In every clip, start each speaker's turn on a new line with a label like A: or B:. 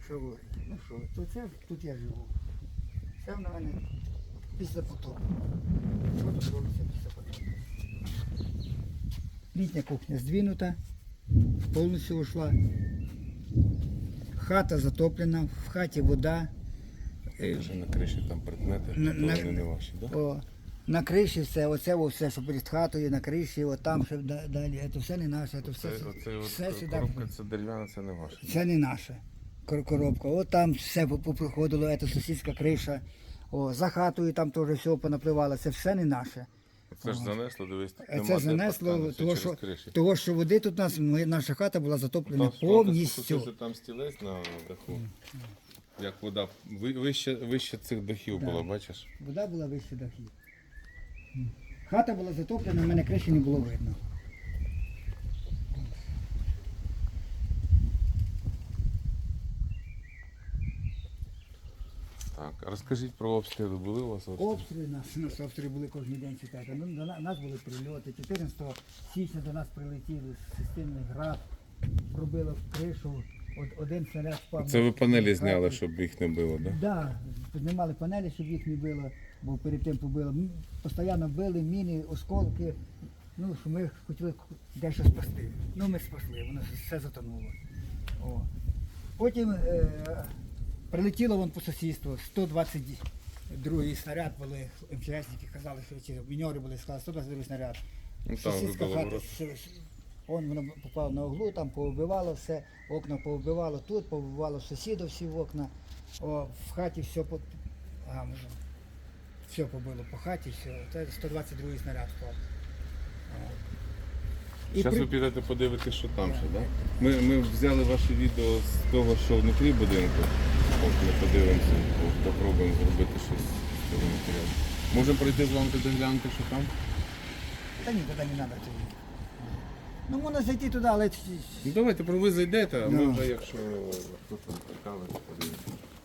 A: що говорить? Ну що, то це тут я живу. Це в мене після потопу. Що тут робиться після потопу? Літня кухня здвинута, повністю ушла. Хата затоплена, в хаті вода.
B: Вже на криші там предмети, то вони не ваші, так?
A: О, на криші все, все, що перед хатою, на криші, от там ще далі, це все не наше, це все сюди.
B: Коробка це дерев'яна, це не ваша.
A: Це не наша коробка. От там все попроходило, це сусідська криша. О, за хатою там теж все понапливало, це все не наше.
B: Це ж занесло, дивись, тут нема
A: Це
B: де
A: занесло,
B: поставити,
A: того, що води тут наша хата була затоплена
B: там
A: повністю.
B: що там стілець на даху. Як вода вище цих дахів була, бачиш?
A: Вода була вище дахів. Хата була затоплена, в мене криші не було видно.
B: Так, а розкажіть про обстріли. Були у вас обстріли?
A: Обстріли, наші обстріли були кожен день читати. Ну, до нас були прильоти. 14 січня до нас прилетіли системний град, пробило в кришу, один снаряд впав.
B: Це ви панелі зняли, щоб їх не було, так?
A: Так, да, піднімали панелі, щоб їх не било, бо перед тим побило. Постійно били, міни, осколки. Ну, що ми хотіли дещо спасти. Ну, ми спасли, воно все затонуло. О. Потім прилетіло вон по сусідству, 122-й снаряд були, МЧСники казали, що ці міньори були, сказали, 122-й снаряд.
B: Ну, там
A: Сусідська
B: вибило
A: хата,
B: ворот.
A: воно попало на углу, там повбивало все, окна повбивало тут, повбивало сусідів всі окна. О, в хаті все, все побило по хаті, все. Це 122-й снаряд впав.
B: Зараз ви підете подивитися, що там ще, так? Ми взяли ваше відео з того, що внутрі будинку. От ми подивимося, попробуємо зробити щось з цього матеріалу. Можемо пройти з вами туди глянути, що там?
A: Та ні, туди не треба. Ну, можна зайти туди, але...
B: Ну давайте, ви зайдете, а ми
A: Ну.
B: вже, якщо хтось там цікавий, то подивимося.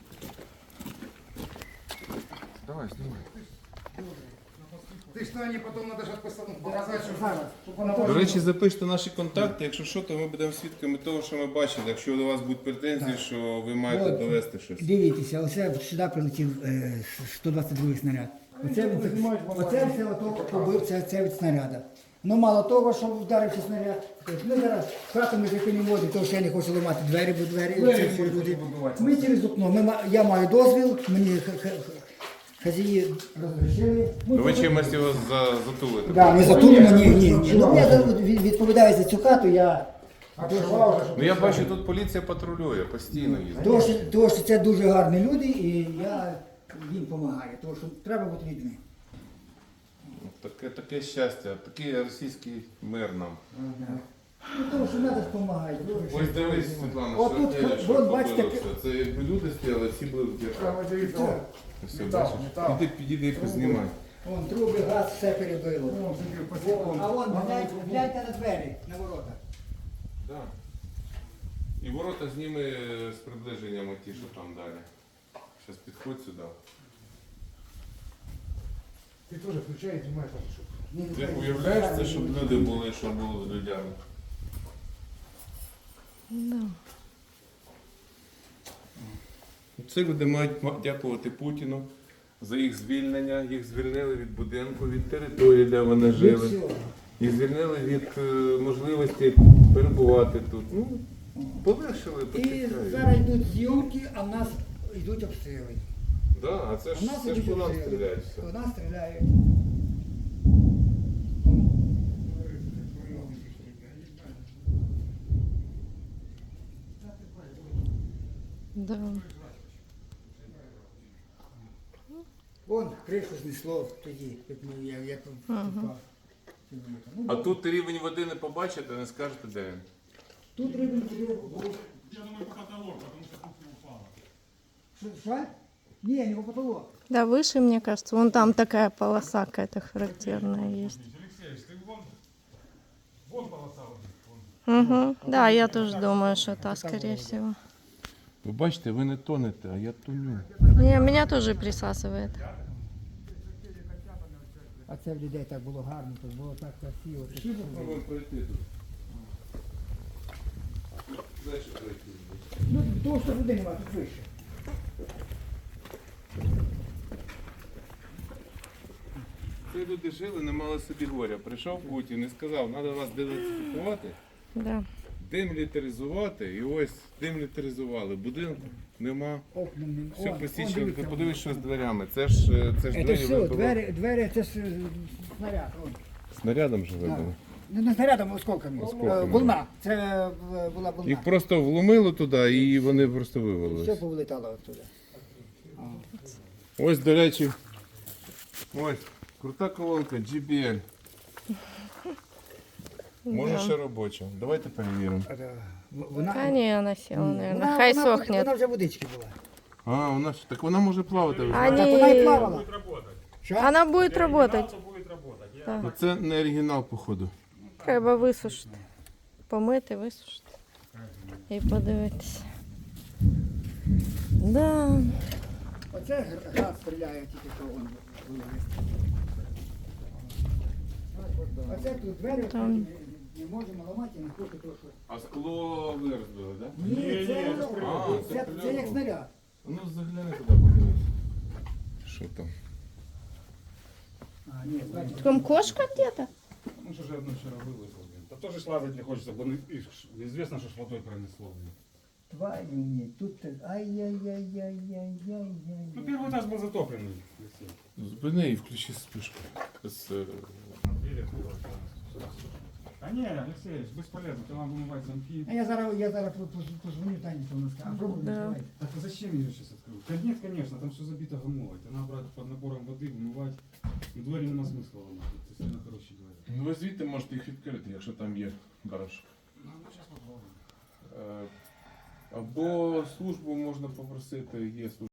B: Давай, знімай.
C: Ты что, они потом надо же показать, что
B: До речі, запишіть наші контакти, якщо що, то ми будемо свідками того, що ми бачили. Якщо до вас будуть претензії, що ви маєте
A: От,
B: довести щось.
A: Дивіться, оце сюди прилетів 122-й снаряд. Оце все побив це від снаряда. Ну мало того, що вдарився снаряд. Ми зараз хату ми таки не водимо, тому що я не хочу ламати двері, бо двері це всі люди. Ми через окно, я маю дозвіл, мені хазії розрішили.
B: Ну ви чимось його затулите?
A: Да, ми затулимо, ні. Ну я відповідаю за цю хату, я...
B: Ну я бачу, тут поліція патрулює, постійно їздить.
A: Тому що це дуже гарні люди і я їм допомагаю, тому що треба бути людьми.
B: Таке щастя, такий російський мир нам.
A: Ну, тому що треба допомагати.
B: Ось дивись, Світлана,
A: От тут,
B: що
A: вон, бачите,
B: побило все. Це якби люди стояли, всі були в дірках. Все,
C: Метал,
B: бачиш?
C: метал.
B: Підійди і познімай.
A: Вон труби, газ, все перебило. А вон, гляньте на двері, на ворота.
B: Да. І ворота зніми з приближенням ті, що там далі. Зараз підходь сюди.
C: Ты тоже включай и снимай там, чтобы...
B: Ти уявляєш це, щоб люди були, що було з людьми?
D: Да.
B: Ці люди мають дякувати Путіну за їх звільнення. Їх звільнили від будинку, від території, де вони жили. Їх звільнили від можливості перебувати тут. Ну, полегшили,
A: І
B: почекають.
A: зараз йдуть зйомки, а в нас йдуть обстріли.
B: Да, а це
A: У
B: ж,
A: нас
B: це ж
A: йдуть
B: по нам
A: обстріли.
B: стріляють все.
A: По нас стріляють.
D: Да.
A: Вон кришу знесло тоді, як попав. Ну,
B: А тут рівень води не побачите, не скажете, де він.
A: тут рибин був.
C: Я думаю, потолок, потому что кухня упала.
A: Що? Ні, не по потолок.
D: Да, выше, мне кажется. Вон там такая полоса какая-то характерная есть.
C: Алексей, ты вон полоса вот.
D: Угу. Да, я тоже думаю, что та, скорее всего.
B: Ви бачите, ви не тонете, а я тоню.
D: Не, меня тоже присасывает.
A: А це в людей так було гарно, тут було так красиво.
B: Спробуємо пройти тут. Дальше пройти.
A: Ну, того, що води немає, тут вище.
B: Ці люди жили, не мали собі горя. Прийшов Путін і сказав, треба вас денацифікувати,
D: Да.
B: демілітаризувати. І ось демілітаризували. Будинку нема.
A: Окна нема.
B: Все
A: Он,
B: посічено.
A: дивіться,
B: Подивись, що з дверями. Це ж
A: Це
B: двері
A: все,
B: вибило.
A: двері, це ж снаряд. Он.
B: Снарядом же
A: Да.
B: вибило.
A: Не снарядом, а осколками.
B: Осколками.
A: Волна. Це була волна.
B: Їх просто вломило туди і вони просто вивалились.
A: Все повилетало оттуда.
B: Ось, до речі, ось, крута колонка GBL. Може ще робоча. Давайте перевіримо.
A: Вона,
D: Да не, она села, наверное.
A: вона,
D: Хай
A: вона,
D: сохнет.
A: Вона вже водички була.
B: А, так вона може плавати. ви
D: Они...
A: Так вона і плавала.
C: Будет работать.
A: Що?
D: Она будет работать.
C: Оригинал-то будет работать. Я...
D: Да.
B: Ну, це не оригінал, походу.
D: Треба висушити. Помити, висушити. І подивитися. Да.
A: Оце град стріляє тільки що он виліз. Оце тут двері
D: Там.
A: не можемо ламати, не хочу того, що...
B: А скло вирізбили, так?
A: Ні, це,
B: А,
A: це як снаряд.
B: Ну, загляни туди, подивись. Що там?
A: А, ні, значить,
D: Там кошка где-то?
C: Ну что же одно вчера вылазил, блин. Да тоже ж лазать не хочется, блин, известно, что ж водой пронесло, блин.
A: тварі ні, тут... Ай-яй-яй-яй-яй-яй-яй.
C: Ну первый этаж был затопленный. Алексей.
B: Зупини і включи спишку.
C: Двери открывать, да. А не, Алексей, бесполезно, тебе надо вымывать замки.
A: А я зараз позвоню Тані, то вона скаже, а пробуй
D: Да.
A: відкривай.
C: Так а зачем ее сейчас открыть? Нет, конечно, там все забито гамовой. Это надо брать под напором воды, вымывать. Ну, двери нема смысла ломать. Це сильно хороші двері.
B: Ну, ви звідти можете їх відкрити, якщо там є барашок.
C: Ну, зараз попробуємо.
B: Або службу можна попросити, є служба.